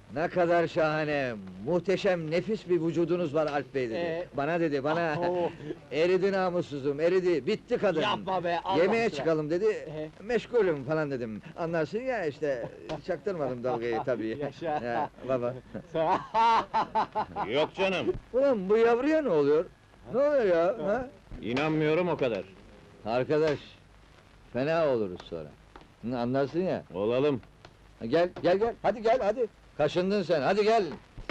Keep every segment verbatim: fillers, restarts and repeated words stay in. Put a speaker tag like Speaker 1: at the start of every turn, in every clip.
Speaker 1: Ne kadar şahane, muhteşem, nefis bir vücudunuz var Alp Bey dedi.
Speaker 2: Ee?
Speaker 1: Bana dedi, bana.
Speaker 2: Oh.
Speaker 1: Eridi namussuzum, eridi, bitti kadın.
Speaker 2: Yapma be, Allah
Speaker 1: Yemeğe
Speaker 2: aşkına.
Speaker 1: çıkalım dedi,
Speaker 2: Ee?
Speaker 1: meşgulüm falan dedim. Anlarsın ya işte, çaktırmadım dalgayı tabii.
Speaker 2: Yaşa.
Speaker 1: Ya, baba.
Speaker 3: Yok canım,
Speaker 1: Ulan bu yavruya ne oluyor? Ne oluyor ya? Ha?
Speaker 3: inanmıyorum o kadar.
Speaker 1: Arkadaş, fena oluruz sonra. Hı, anlarsın ya.
Speaker 3: Olalım.
Speaker 1: Ha, Gel, gel, gel, hadi gel, hadi. Kaşındın sen, hadi gel.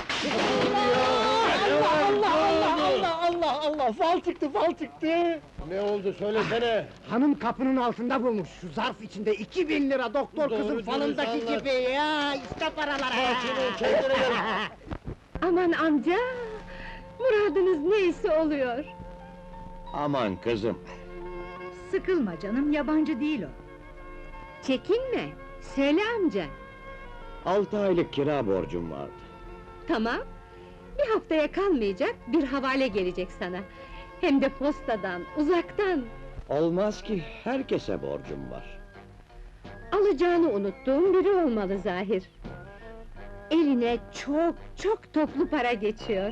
Speaker 2: Allah Allah Allah Allah Allah Allah! Fal çıktı, fal çıktı!
Speaker 4: Ne oldu söylesene!
Speaker 2: Hanım kapının altında bulmuş, şu zarf içinde iki bin lira doktor
Speaker 4: Doğru
Speaker 2: kızın
Speaker 4: dürüst
Speaker 2: falındaki
Speaker 4: anlat.
Speaker 2: gibi ya! İşte paralar!
Speaker 4: Sakin ol, kendine gel!
Speaker 5: Aman amca! Muradınız neyse oluyor.
Speaker 3: Aman kızım.
Speaker 5: Sıkılma canım, yabancı değil o. Çekinme, söyle amca.
Speaker 3: Altı aylık kira borcum vardı.
Speaker 5: Tamam, bir haftaya kalmayacak, bir havale gelecek sana. Hem de postadan, uzaktan.
Speaker 3: Olmaz ki, herkese borcum var.
Speaker 5: Alacağını unuttuğum biri olmalı zahir. Eline çok, çok toplu para geçiyor.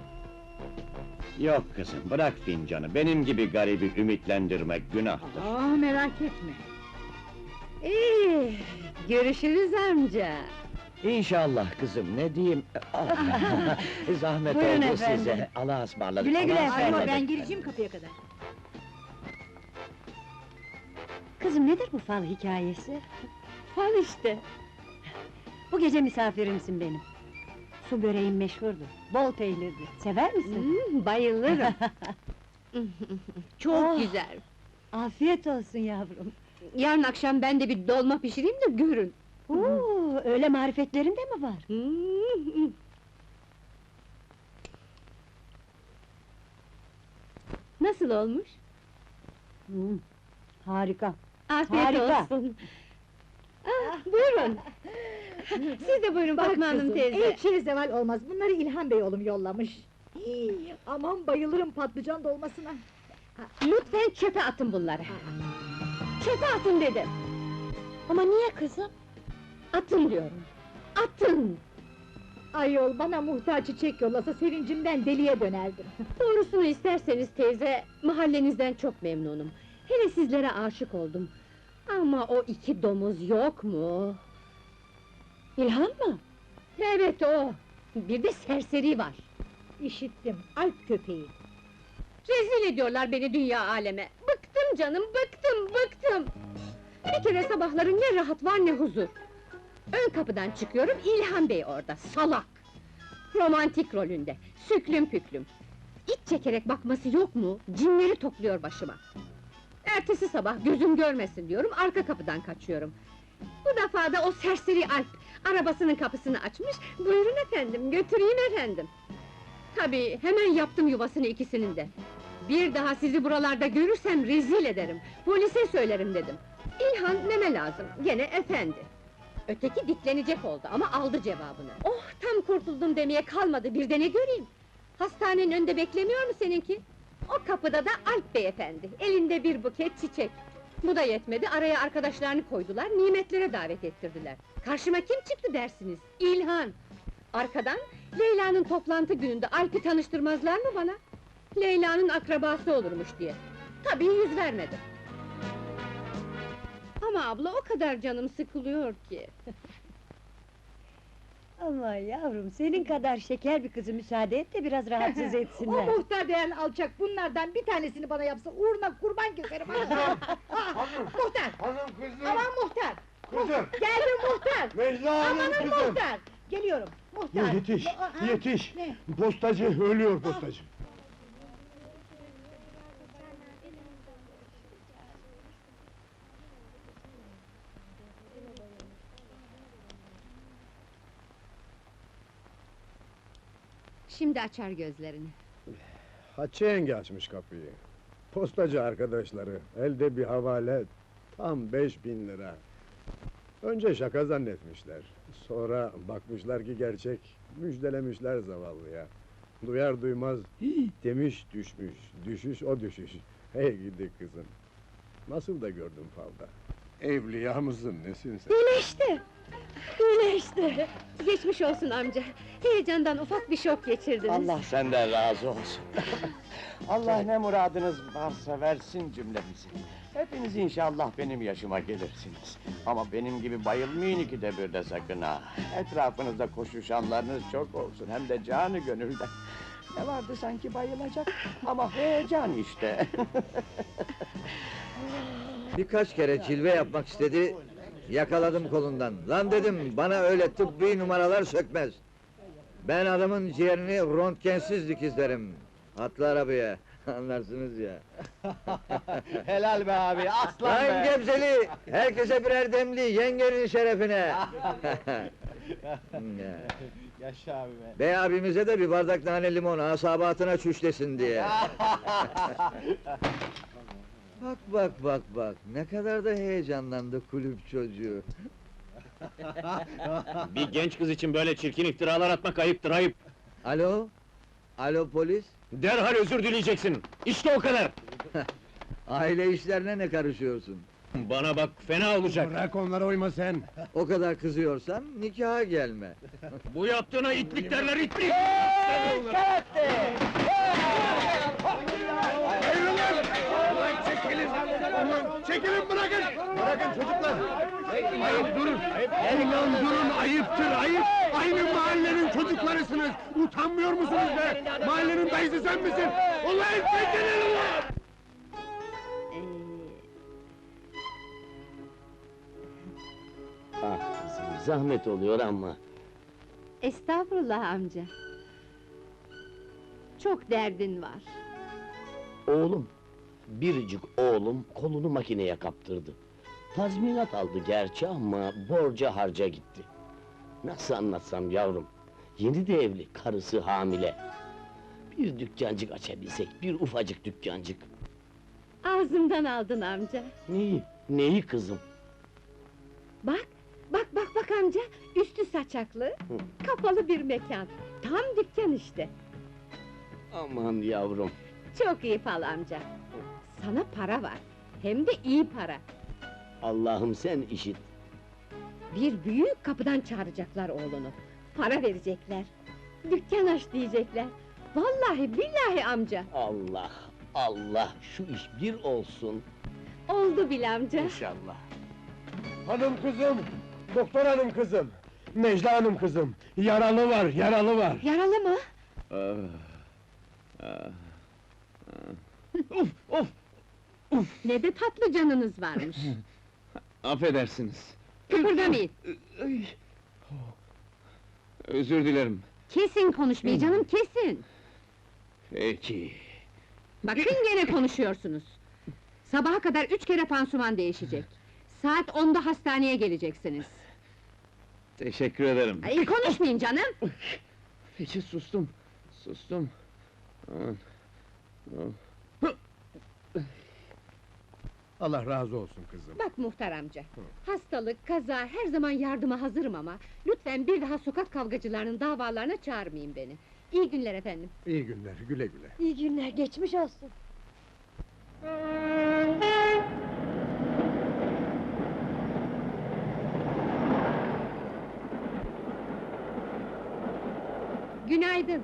Speaker 3: Yok kızım, bırak fincanı, benim gibi garibi ümitlendirmek günahtır.
Speaker 5: Aa, merak etme. İyi, görüşürüz amca.
Speaker 3: İnşallah kızım, ne diyeyim? Ah, zahmet
Speaker 5: Buyurun
Speaker 3: oldu
Speaker 5: efendim.
Speaker 3: size, Allah'a ısmarladık.
Speaker 5: Güle güle
Speaker 3: Allah'a
Speaker 5: efendim.
Speaker 3: ısmarladık.
Speaker 5: Ben gireceğim kapıya kadar. Kızım nedir bu fal hikayesi? Fal işte.
Speaker 6: Bu gece misafirimsin benim. Su böreğim meşhurdur, bol peynirli. Sever misin?
Speaker 5: Hmm, bayılırım. Çok
Speaker 6: Oh.
Speaker 5: güzel.
Speaker 6: Afiyet olsun yavrum.
Speaker 5: Yarın akşam ben de bir dolma pişireyim de görün.
Speaker 6: Oo, öyle marifetlerin de mi var?
Speaker 5: Hmm. Nasıl olmuş?
Speaker 6: Hmm, harika.
Speaker 5: Afiyet
Speaker 6: Harika.
Speaker 5: olsun. Ah, buyurun. Siz de buyurun Fatma Hanım teyze.
Speaker 7: Hiç şey zeval olmaz, bunları İlhan Bey oğlum yollamış. İyi, aman bayılırım patlıcan dolmasına.
Speaker 5: Lütfen çöpe atın bunları. Çöpe atın dedim.
Speaker 6: Ama niye kızım?
Speaker 5: Atın diyorum. Atın!
Speaker 7: Ayol, bana muhtar çiçek yollasa sevincimden deliye dönerdim.
Speaker 5: Doğrusunu isterseniz teyze, mahallenizden çok memnunum. Hele sizlere aşık oldum. Ama o iki domuz yok mu?
Speaker 6: İlhan mı?
Speaker 5: Evet o! Bir de serseri var.
Speaker 7: İşittim, Alp köpeği.
Speaker 5: Rezil ediyorlar beni dünya aleme. Bıktım canım, bıktım, bıktım! Bir kere sabahları ne rahat var ne huzur. Ön kapıdan çıkıyorum, İlhan Bey orada, salak! Romantik rolünde, süklüm püklüm. İç çekerek bakması yok mu? Cinleri topluyor başıma. Ertesi sabah gözüm görmesin diyorum, arka kapıdan kaçıyorum. Bu defa da o serseri Alp, arabasının kapısını açmış, buyurun efendim, götüreyim efendim. Tabii, hemen yaptım yuvasını ikisinin de. Bir daha sizi buralarda görürsem rezil ederim, polise söylerim dedim. İlhan neme lazım, gene efendi. Öteki diklenecek oldu ama aldı cevabını. Oh, tam kurtuldum demeye kalmadı, bir de ne göreyim? Hastanenin önünde beklemiyor mu seninki? O kapıda da Alp beyefendi, elinde bir buket çiçek. Bu da yetmedi, araya arkadaşlarını koydular, nimetlere davet ettirdiler. Karşıma kim çıktı dersiniz? İlhan! Arkadan, Leyla'nın toplantı gününde Alp'i tanıştırmazlar mı bana? Leyla'nın akrabası olurmuş diye. Tabii yüz vermedim. Ama abla o kadar canım sıkılıyor ki.
Speaker 6: Ama yavrum, senin kadar şeker bir kızı müsaade et de biraz rahatsız
Speaker 7: O
Speaker 6: etsinler.
Speaker 7: muhtar denen alçak, bunlardan bir tanesini bana yapsa uğruna kurban keserim. Muhtar!
Speaker 4: Hanım kızım!
Speaker 7: Aman muhtar!
Speaker 4: Kızım!
Speaker 7: Geldim muhtar!
Speaker 4: Necla Hanım
Speaker 7: Amanın
Speaker 4: kızım!
Speaker 7: muhtar! Geliyorum, muhtar!
Speaker 4: Yetiş,
Speaker 7: Aa,
Speaker 4: yetiş!
Speaker 7: ne?
Speaker 4: Postacı, ölüyor postacı!
Speaker 5: Şimdi açar gözlerini.
Speaker 4: Hatice yenge açmış kapıyı. Postacı arkadaşları, elde bir havale, tam beş bin lira. Önce şaka zannetmişler. Sonra bakmışlar ki gerçek, müjdelemişler zavallıya. Duyar duymaz, "Hii!" demiş düşmüş, düşüş o düşüş. Hey gidi kızım! Nasıl da gördüm falda. Evliya mısın, nesin sen?
Speaker 5: İyileşti!
Speaker 6: Öyle işte.
Speaker 5: Geçmiş olsun amca. Heyecandan ufak bir şok geçirdiniz.
Speaker 3: Allah senden razı olsun. Allah ne muradınız varsa versin cümlemizi. Hepiniz inşallah benim yaşıma gelirsiniz. Ama benim gibi bayılmayın ikide bir de sakın ha. Etrafınızda koşuşanlarınız çok olsun, hem de canı gönülden. Ne vardı sanki bayılacak, ama heyecan işte.
Speaker 1: Birkaç kere cilve yapmak istedi, yakaladım kolundan. Lan dedim, bana öyle tıbbi numaralar sökmez. Ben adamın ciğerini röntgensiz dikizlerim. Atla arabaya, anlarsınız ya.
Speaker 2: Helal be abi, aslan
Speaker 1: Lan
Speaker 2: be!
Speaker 1: Gebzeli, herkese birer demli, yengenin şerefine! Ya.
Speaker 2: Yaşa abi be!
Speaker 1: Bey abimize de bir bardak nane limon, asabatına çüşlesin diye. Bak bak bak bak, ne kadar da heyecanlandı kulüp çocuğu.
Speaker 3: Bir genç kız için böyle çirkin iftiralar atmak ayıptır, ayıp.
Speaker 1: Alo? Alo polis?
Speaker 3: Derhal özür dileyeceksin, işte o kadar!
Speaker 1: Aile işlerine ne karışıyorsun?
Speaker 3: Bana bak, fena olacak!
Speaker 4: Bırak onlara uyma sen!
Speaker 1: O kadar kızıyorsan nikaha gelme.
Speaker 3: Bu yaptığına itlik derler, itlik!
Speaker 4: Çekilin bırakın! Bırakın çocuklar! Ayıp durun! Ulan durun, ayıptır, ayıp! Aynı mahallenin çocuklarısınız! Utanmıyor musunuz be? Mahallenin dayısı sen misin? Ulan çekilin ulan!
Speaker 6: Ee,
Speaker 8: Ah kızım, zahmet oluyor ama...
Speaker 5: Estağfurullah amca. Çok derdin var.
Speaker 8: Oğlum, biricik oğlum kolunu makineye kaptırdı. Tazminat aldı gerçi ama borca harca gitti. Nasıl anlatsam yavrum? Yeni de evli, karısı hamile. Bir dükkancık açabilsek, bir ufacık dükkancık.
Speaker 5: Ağzımdan aldın amca.
Speaker 8: Neyi, neyi kızım?
Speaker 5: Bak, bak bak bak amca, üstü saçaklı, kapalı bir mekan. Tam dükkan işte.
Speaker 8: Aman yavrum!
Speaker 5: Çok iyi fal amca. Sana para var, hem de iyi para.
Speaker 8: Allah'ım sen işit!
Speaker 5: Bir büyük kapıdan çağıracaklar oğlunu. Para verecekler. Dükkan aç diyecekler. Vallahi billahi amca.
Speaker 8: Allah, Allah, şu iş bir olsun!
Speaker 5: Oldu bile amca.
Speaker 8: İnşallah!
Speaker 4: Hanım kızım! Doktor hanım kızım! Necla hanım kızım! Yaralı var, yaralı var!
Speaker 5: Yaralı mı?
Speaker 3: Of, of!
Speaker 5: Ne de tatlı canınız varmış.
Speaker 3: Affedersiniz.
Speaker 5: Kıpırdamayın.
Speaker 3: Özür dilerim.
Speaker 5: Kesin konuşmayı canım, kesin.
Speaker 3: Peki.
Speaker 5: Bakın gene konuşuyorsunuz. Sabaha kadar üç kere pansuman değişecek. Saat onda hastaneye geleceksiniz.
Speaker 3: Teşekkür ederim.
Speaker 5: Ay, konuşmayın canım!
Speaker 3: Peki, sustum. Sustum.
Speaker 4: Allah razı olsun kızım.
Speaker 5: Bak muhtar amca, hastalık, kaza, her zaman yardıma hazırım ama... ...lütfen bir daha sokak kavgacılarının davalarına çağırmayın beni. İyi günler efendim.
Speaker 4: İyi günler, güle güle.
Speaker 6: iyi günler, geçmiş olsun.
Speaker 5: Günaydın.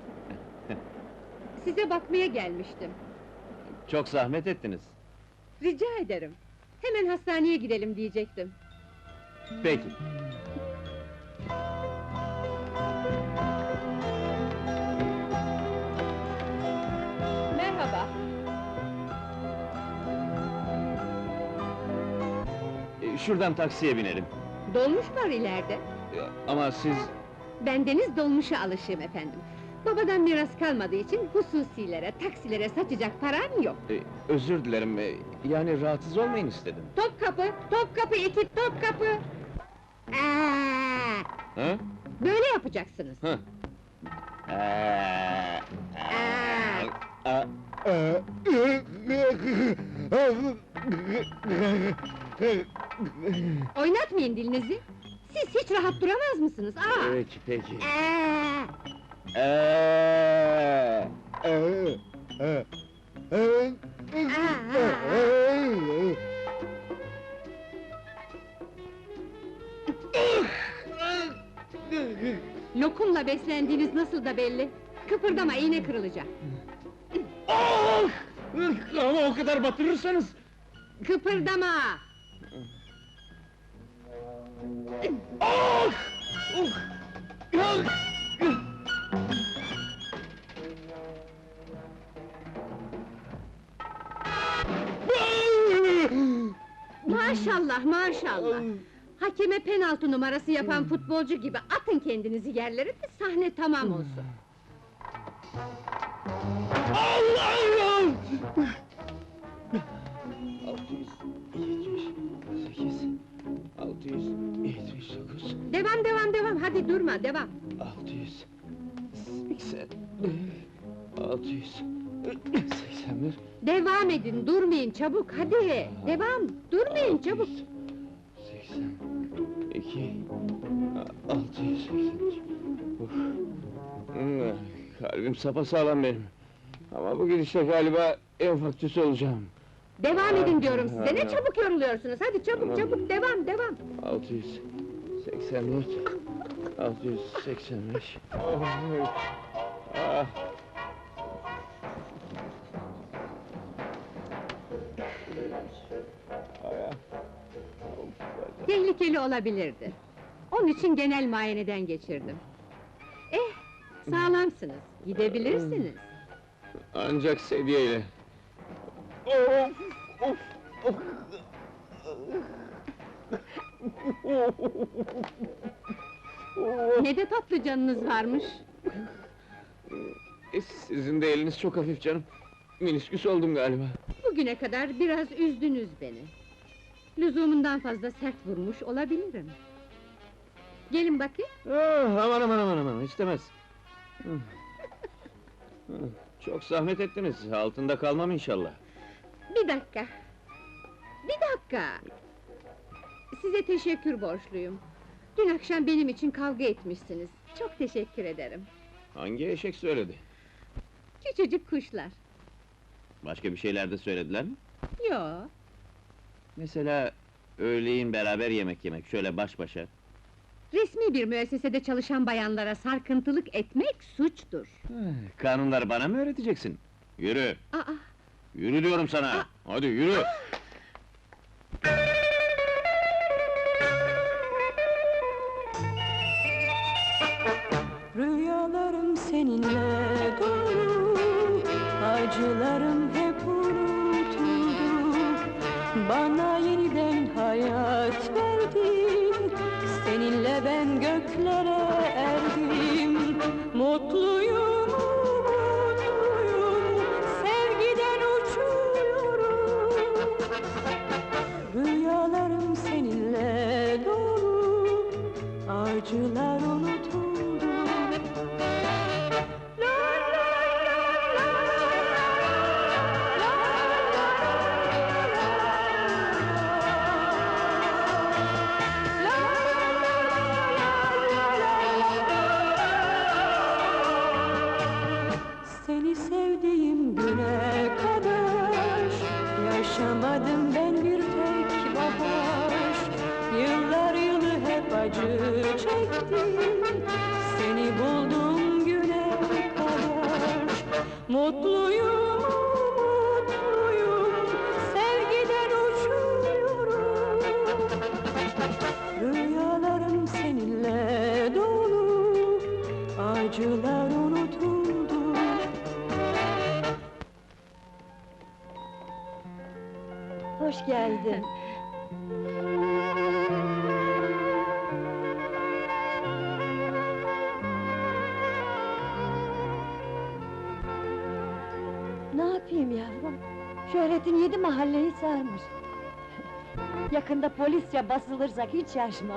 Speaker 5: Size bakmaya gelmiştim.
Speaker 3: Çok zahmet ettiniz.
Speaker 5: Rica ederim. Hemen hastaneye gidelim diyecektim.
Speaker 3: Peki.
Speaker 5: Merhaba.
Speaker 3: Ee, Şuradan taksiye binelim.
Speaker 5: Dolmuş var ileride.
Speaker 3: Ee, Ama siz...
Speaker 5: Bendeniz dolmuşa alışığım efendim. Babadan miras kalmadığı için hususilere, taksilere saçacak param yok.
Speaker 3: e, özür dilerim, e, yani rahatsız olmayın istedim.
Speaker 5: Topkapı, Topkapı ekip, Topkapı! Aa,
Speaker 3: Ha?
Speaker 5: böyle yapacaksınız.
Speaker 3: Ha?
Speaker 8: Ee,
Speaker 5: Aa,
Speaker 8: a-
Speaker 5: oynatmayın dilinizi. Siz hiç rahat duramaz mısınız? Aa!
Speaker 8: Peki, peki.
Speaker 5: Aa!
Speaker 8: Ee,
Speaker 5: Aa, aa, aa. Lokumla beslendiğiniz nasıl da belli. Kıpırdama, iğne kırılacak.
Speaker 8: Ah! Ama o kadar batırırsanız...
Speaker 5: Kıpırdama!
Speaker 8: Ah! Uh! Ah!
Speaker 5: Maşallah, maşallah! Hakeme penaltı numarası yapan futbolcu gibi atın kendinizi yerlere de sahne tamam olsun.
Speaker 8: Allah'ım! altı yüz yetmiş sekiz, altı yüz yetmiş dokuz,
Speaker 5: Devam, devam, devam, hadi durma, devam!
Speaker 8: altı yüz seksen, altı yüz seksen bir,
Speaker 5: Devam edin, durmayın, çabuk, hadi! Devam, durmayın, çabuk!
Speaker 8: seksen iki, altı yüz seksen üç. Uf. Hmm, kalbim sapasağlam benim. Ama bu gidişle galiba enfarktüsü olacağım.
Speaker 5: Devam edin diyorum size, ne çabuk yoruluyorsunuz, hadi çabuk,
Speaker 8: Tamam.
Speaker 5: çabuk, devam, devam!
Speaker 8: altı yüz seksen dört, altı yüz seksen beş. Ah.
Speaker 5: Tehlikeli olabilirdi. Onun için genel muayeneden geçirdim. Eh, sağlamsınız, gidebilirsiniz.
Speaker 8: Ancak sedyeyle. Of, of, of.
Speaker 5: Ne de tatlı canınız varmış.
Speaker 8: E, Sizin de eliniz çok hafif canım. Minisküs oldum galiba.
Speaker 5: Bugüne kadar biraz üzdünüz beni. Lüzumundan fazla sert vurmuş olabilirim. Gelin bakayım.
Speaker 8: Ah, aman aman aman aman, istemez. Hı. Hı, Çok zahmet ettiniz, altında kalmam inşallah.
Speaker 5: Bir dakika. Bir dakika. Size teşekkür borçluyum. Dün akşam benim için kavga etmişsiniz. Çok teşekkür ederim.
Speaker 8: Hangi eşek söyledi?
Speaker 5: Küçücük kuşlar.
Speaker 8: Başka bir şeyler de söylediler mi?
Speaker 5: Yo,
Speaker 8: Mesela, öğleyin beraber yemek yemek, şöyle baş başa.
Speaker 5: resmi bir müessesede çalışan bayanlara sarkıntılık etmek suçtur.
Speaker 8: Kanunları bana mı öğreteceksin? Yürü!
Speaker 5: Aa,
Speaker 8: Yürü diyorum sana! Hadi yürü!
Speaker 9: Rüyalarım seninle dolu, acılarım hep unutuldu. Bana yeniden hayat verdin, seninle ben göklere erdim. Mutluyum, mutluyum, sevgiden uçuyorum. Rüyalarım seninle dolu, acılar unutuldu. Seni sevdiğim güne kadar yaşamadım ben bir tek bahar. Yıllar yılı hep acı çektim, seni buldum güne kadar. Mutluyum, mutluyum, sevgiden uçuyorum. Rüyalarım seninle dolu, acılar unutuldu.
Speaker 6: Hoş geldin. Ne yapayım yavrum? Şöhretin yedi mahalleyi sarmış. Yakında polisçe basılırsak hiç şaşmam.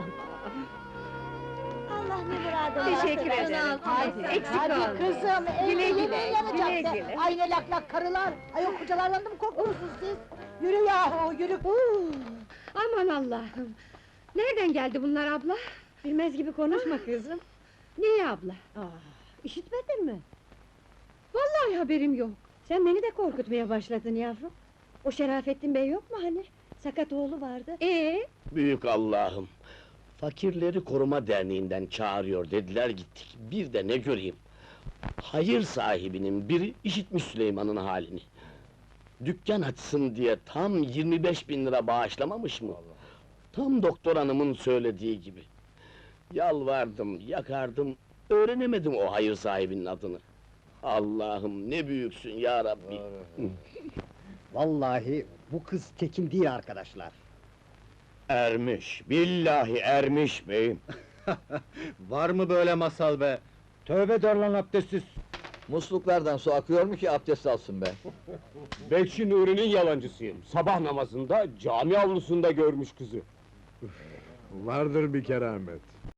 Speaker 7: Allah ne muradını
Speaker 5: Teşekkür
Speaker 7: versin.
Speaker 5: ederim.
Speaker 7: Hadi,
Speaker 5: Eksik
Speaker 7: hadi
Speaker 5: olmayın.
Speaker 7: kızım,
Speaker 5: Güle
Speaker 7: evde
Speaker 5: güle,
Speaker 7: yemeğin yanacak
Speaker 5: güle
Speaker 7: da.
Speaker 5: güle.
Speaker 7: Ay ne lak lak karılar, ay o kocalarla mı korkuyorsunuz siz? Yürü yahu, yürü! Huu!
Speaker 5: Aman Allah'ım! Nereden geldi bunlar abla?
Speaker 6: Bilmez gibi konuşma kızım.
Speaker 5: Niye abla?
Speaker 6: Aa, işitmedin mi?
Speaker 5: Vallahi haberim yok.
Speaker 6: Sen beni de korkutmaya başladın yavrum. O Şerafettin Bey yok mu hani? Sakat oğlu vardı.
Speaker 5: Ee,
Speaker 8: Büyük Allah'ım! Fakirleri Koruma Derneği'nden çağırıyor dediler, gittik. Bir de ne göreyim! Hayır sahibinin biri işitmiş Süleyman'ın halini. Dükkan açsın diye tam yirmi beş bin lira bağışlamamış mı? Tam doktor hanımın söylediği gibi. Yalvardım, yakardım, öğrenemedim o hayır sahibinin adını. Allah'ım ne büyüksün ya Rabbi!
Speaker 2: Vallahi bu kız tekin değil arkadaşlar.
Speaker 3: Ermiş, billahi ermiş beyim.
Speaker 2: Var mı böyle masal be? Tövbe der lan abdestsiz.
Speaker 1: Musluklardan su akıyor mu ki abdest alsın be?
Speaker 10: Bekşi Nuri'nin yalancısıyım. Sabah namazında cami avlusunda görmüş kızı.
Speaker 4: Vardır bir keramet.